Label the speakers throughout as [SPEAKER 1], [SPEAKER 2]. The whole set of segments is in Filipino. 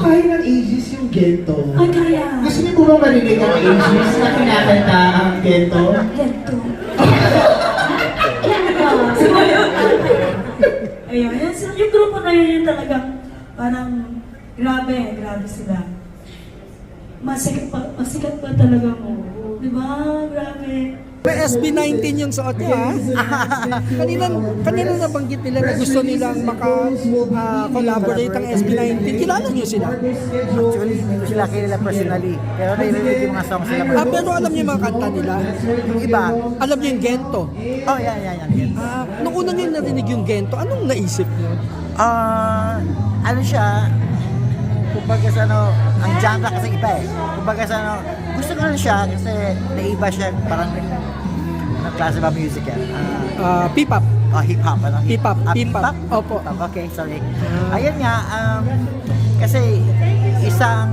[SPEAKER 1] kaya ng Aegis yung Gento.
[SPEAKER 2] Ay, kaya.
[SPEAKER 1] Gusto niyo po ba marinig ang Aegis na kinakanta ang Gento?
[SPEAKER 2] Ganito. Ayun, yung grupo na yun yung talagang parang grabe sila. Masikat pa talaga mo. Diba? Grabe.
[SPEAKER 3] May SB19 yung suot niya, ha? kanina nabanggit nila na gusto nilang maka-collaborate ang SB19. Kilala niyo sila?
[SPEAKER 4] Actually, hindi ko sila kilala personally. Pero narinig yung mga songs sila.
[SPEAKER 3] Pero alam niyo yung mga kanta nila?
[SPEAKER 4] Yung iba,
[SPEAKER 3] Alam niyo yung Gento?
[SPEAKER 4] oh, yan.
[SPEAKER 3] Nung una niyo narinig yung Gento, anong naisip niyo?
[SPEAKER 4] Ano siya, kumbaga sa ano, ang genre kasi iba eh. Kumbaga sa ano, gusto ko rin siya kasi naiba siya, parang anong klase ba music yan?
[SPEAKER 3] P-pop.
[SPEAKER 4] Hip-hop, ano?
[SPEAKER 3] Hip-hop.
[SPEAKER 4] Hip-hop?
[SPEAKER 3] Opo.
[SPEAKER 4] Okay, sorry. Ayun nga, kasi isang,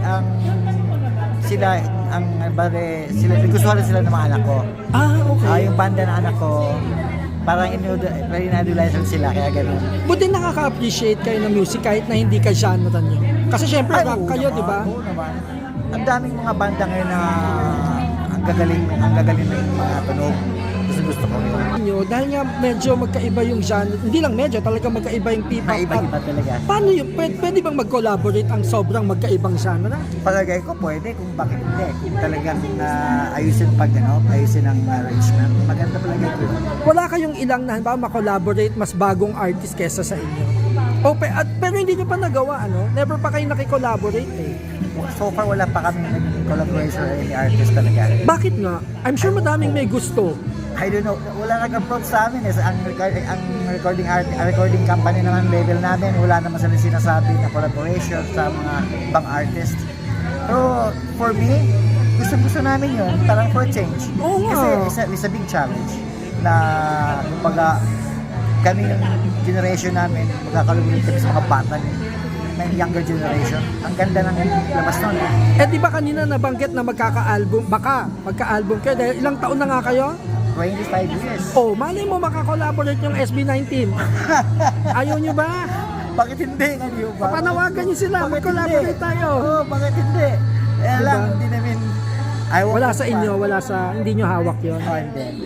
[SPEAKER 4] sila, sila, gusto rin sila ng mga anak ko.
[SPEAKER 3] Okay.
[SPEAKER 4] Yung banda ng anak ko, parang inadulaisan sila, kaya gano'n.
[SPEAKER 3] Buti nakaka-appreciate kayo ng music kahit na hindi ka genre niyo. Kasi syempre rock kayo, di ba?
[SPEAKER 4] Oo naman. Ang daming mga banda ngayon na ang gagaling na yung mga tunog. Gusto ko yun.
[SPEAKER 3] Dahil nga medyo magkaiba yung genre, hindi lang medyo, talaga magkaiba yung P-pop.
[SPEAKER 4] Maiba-iba talaga.
[SPEAKER 3] Paano yun? Pwede bang mag-collaborate ang sobrang magkaibang genre?
[SPEAKER 4] Palagay ko pwede, kung bakit hindi. Kung talagang ayusin ang arrangement. Maganda palagay ko.
[SPEAKER 3] Wala kayong ilang na halimbawa ma-collaborate mas bagong artist kesa sa inyo? Pero hindi nyo pa nagawa, ano? Never pa kayo nakikollaborate eh.
[SPEAKER 4] So far, wala pa kami naging collaboration or any artist talaga.
[SPEAKER 3] Bakit nga? I'm sure madaming may gusto.
[SPEAKER 4] I don't know, wala nag-approach sa amin eh. Ang recording company naman, label namin, wala naman sila sinasabi na collaboration sa mga ibang artist. Pero for me, gusto namin yun, parang for change.
[SPEAKER 3] Oo nga.
[SPEAKER 4] Kasi it's a big challenge na kumbaga kami yung generation namin, magkakalubulit kami sa mga bata ng younger generation. Ang ganda ng labas nun.
[SPEAKER 3] Di ba kanina nabanggit na magka-album kayo dahil ilang taon na nga kayo?
[SPEAKER 4] 25 years.
[SPEAKER 3] Malay mo makakollaborate yung SB19. Ayaw nyo ba?
[SPEAKER 4] Bakit hindi?
[SPEAKER 3] Papanawagan nyo sila, mag-collaborate tayo.
[SPEAKER 4] Bakit hindi? Lang, hindi namin...
[SPEAKER 3] hindi nyo hawak yun.
[SPEAKER 4] Hindi.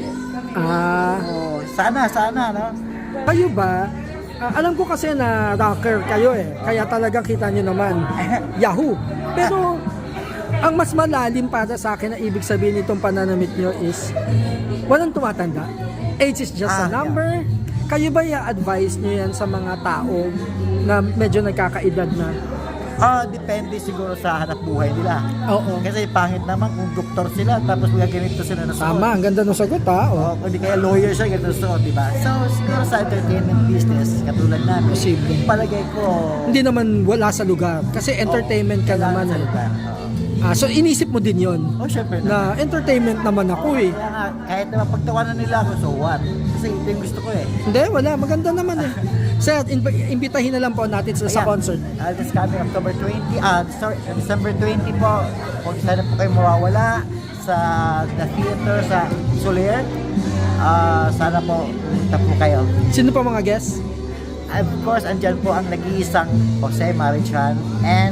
[SPEAKER 4] Sana, no?
[SPEAKER 3] Kayo ba, alam ko kasi na rocker kayo eh, kaya talagang kita nyo naman, Yahoo! Pero, ang mas malalim para sa akin na ibig sabihin nitong pananamit nyo is, walang tumatanda. Age is just a number. Yeah. Kayo ba i-advise nyo yan sa mga tao na medyo nagkakaedad na?
[SPEAKER 4] Depende siguro sa hanap buhay nila.
[SPEAKER 3] Oo.
[SPEAKER 4] Kasi pangit naman kung doktor sila tapos gaganito sila na suot.
[SPEAKER 3] Tama, ang ganda ng sagot ha.
[SPEAKER 4] Kung di kaya lawyer siya, ganito suot, di ba? So, siguro sa entertainment business, katulad namin,
[SPEAKER 3] Posible.
[SPEAKER 4] palagay ko...
[SPEAKER 3] Hindi naman wala sa lugar. Kasi entertainment ka naman eh. So inisip mo din yon
[SPEAKER 4] syempre
[SPEAKER 3] na entertainment naman ako eh.
[SPEAKER 4] Kaya nga, kahit naman pagtawanan nila ako, so what? Kasi ito yung gusto ko eh.
[SPEAKER 3] Hindi, wala. Maganda naman eh. Sir, imbitahin na lang po natin sa concert.
[SPEAKER 4] This coming October 20, December 20 po. Kung sana po kayo mawawala sa The Theater sa Soler, sana po punta po kayo.
[SPEAKER 3] Sino pa mga guests?
[SPEAKER 4] Of course, andyan po ang nag-iisang Jose Marichan and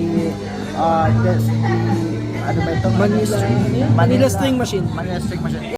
[SPEAKER 4] ano ba ito?
[SPEAKER 3] Manila String Machine.
[SPEAKER 4] Manila String Machine.